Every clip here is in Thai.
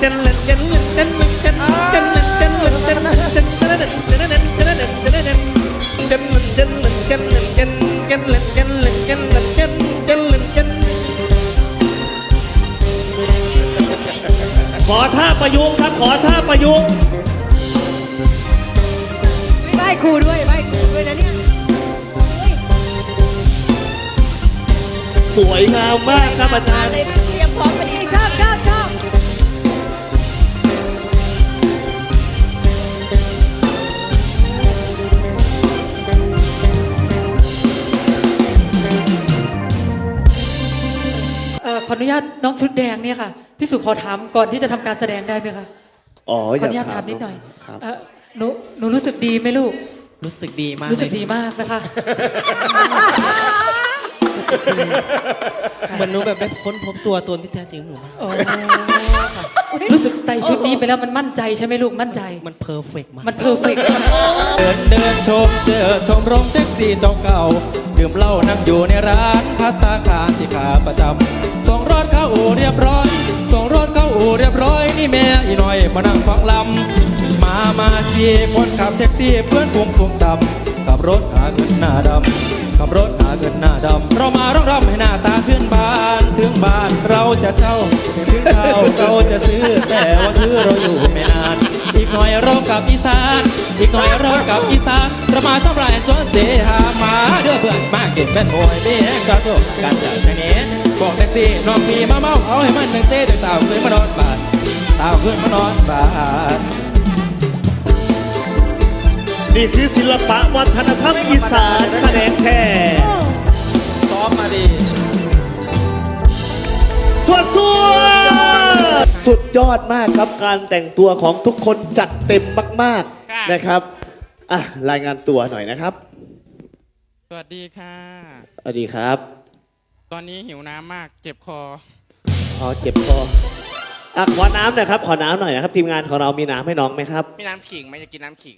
ขอท่าประยุกต์ครับขอท่าประยุกต์ไหว้ครูด้วยไหว้ครูด้วยนะเนี่ยสวยงามมากครับอาจารย์เตรียมพร้อมไปดีชอบขออนุญาตน้องชุดแดงเนี่ยค่ะพี่สุขอถามก่อนที่จะทำการแสดงได้ไหมคะอ๋อขออนุญาตถามนิดหน่อยหนูรู้สึกดีไหมลูกรู้สึกดีมากรู้สึกดีมากนะคะเหมือนหนูแบบได้ค้นพบตัวตนที่แท้จริงหนูมากรู้สึกใส่ชุดนี้ไปแล้วมันมั่นใจใช่ไหมลูกมั่นใจมันเพอร์เฟกต์มากมันเพอร์เฟกต์เดินชมเจอชมรมแท็กซี่เจ้าเก่าดื่มเหล้านั่งอยู่ในร้านภัตตาคารที่ขาประจำส่งรถเข้าอู่เรียบร้อยส่งรถเข้าอู่เรียบร้อยนี่แม่อีหน่อยมานั่งฟังลำมาสี่คนขับแท็กซี่เพื่อนพวงสูงต่ำขับรถหาเงินหน้าดำขับรถหาเงินหน้าดำเรามาร้องรำให้หน้าตาชื่นบานถึงบ้านเราจะเช่าถึงข้าวเราจะซื้อแต่ว่าคือเราอยู่ไม่นานอีกหน่อยเรากลับอีสานอีกหน่อยเรากลับอีสานเรามาสำรายสวนเสหามาเดือเบื่อมาเก็บแม่นมวยนี่กระโดดกันจากไหนบอกแท็กซี่น้องพี่มาเมาเอาให้มันหนึ่งเซ่จากเต่าขึ้นมานอนบาดเต่าขึ้นมานอนบาดนี่คือศิลปะวัฒนธรรมอีสานแขนงแท้ซ้อมมาดีสุดยอดมากครับการแต่งตัวของทุกคนจัดเต็มมากๆนะครับรายงานตัวหน่อยนะครับสวัสดีค่ะสวัสดีครับตอนนี้หิวน้ำมากเจ็บคอเจ็บคอขอน้ำหน่อยครับขอน้ำหน่อยนะครับทีมงานของเรามีน้ำให้น้องไหมครับมีน้ำขิงไหมจะกินน้ำขิง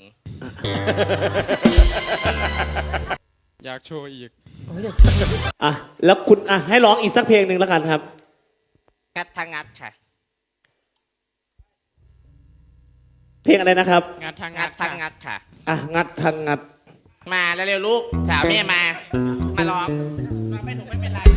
อยากโชว์อีกแล้วคุณให้ร้องอีกสักเพลงหนึ่งแล้วกันครับงัดทางงัดค่ะเพลงอะไรนะครับงัดทางงัดทางงัดค่ะงัดทางงัดมาแล้วเร็วลูกสาวแม่มาร้องไม่ถูกไม่เป็นไร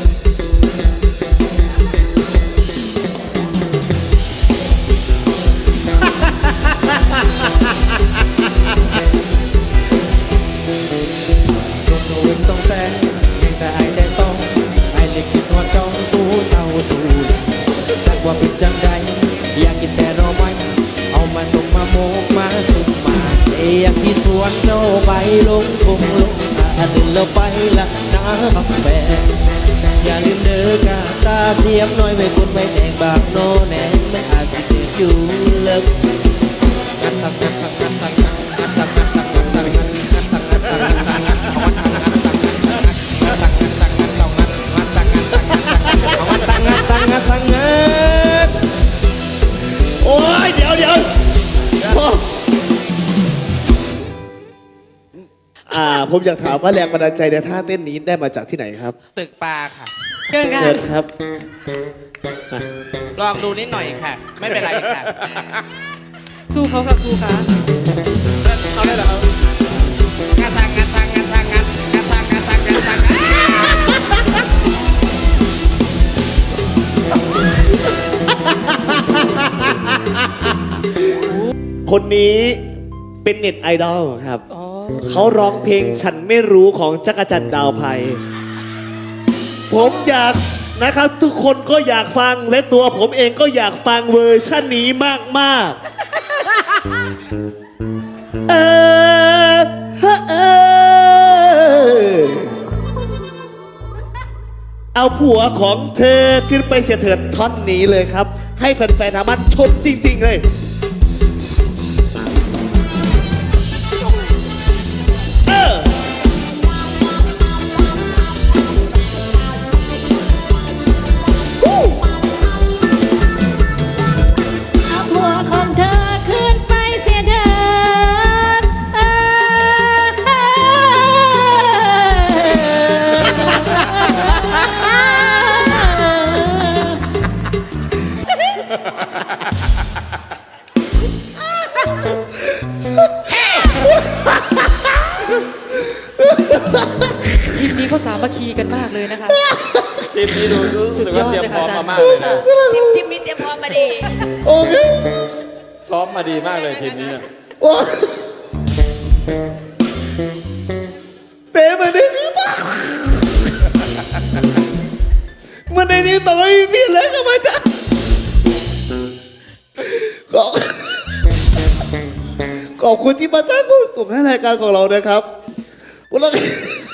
โดนสองแสนยังแต่ไอ้ได้ต้องไอ้เล็กคิดว่าจ้องสู้เศร้าสู้จากว่าเป็นจังใดอยากกินแต่รอไว้เอามาต้มมาโมกมาสุกมาอยากสีสวนเจ้าไปลงคงลงตื่นแล้วไปละน้ำแบกอย่าลืมเด้อกาตาเสียมน้อยไม่คนไม่แต่งบากโนแนนไม่อาจสิเกิดอยู่เลิกงัดทักงัดทักงัดทักงัดทักงัดทักงัดทักงัดทักงัดโอ้ยเดี๋ยวผมอยากถามว่าแรงบันดาลใจในท่าเต้นนี้ได้มาจากที่ไหนครับตึกปลาค่ะเชิญครับลองดูนิดหน่อยค่ะไม่เป็นไรค่ะสู้เขาค่ะครูคะเอาได้เหรองัดทางงัดทางงัดทางงัดงัดทางงัดทางงัดทางคนนี้เป็นเน็ตไอดอลครับเขาร้องเพลงฉันไม่รู้ของจักรจันทร์ดาวไพผมอยากนะครับทุกคนก็อยากฟังและตัวผมเองก็อยากฟังเวอร์ชันนี้มากเอาผัวของเธอขึ้นไปเสียเถิดท่อนนี้เลยครับให้แฟนๆทางบ้านชมจริงๆเลยธีกันมากเลยนะคะทีมนี้ดูรู้สึกว่าเตรียมพร้อมสุดยอดเลยค่ะมามากเลยนะทีมนี้เตรียมพร้อมมาดีโอเคซ้อมมาดีมากเลยทีมนี้เนี่ยโอ้เป๊ะมาได้ที่ต่อมันในที่ต่อไม่มีพี่เลยก็มาจ้ะขอบคุณที่มาสร้างความสุขให้รายการของเรานะครับวันละ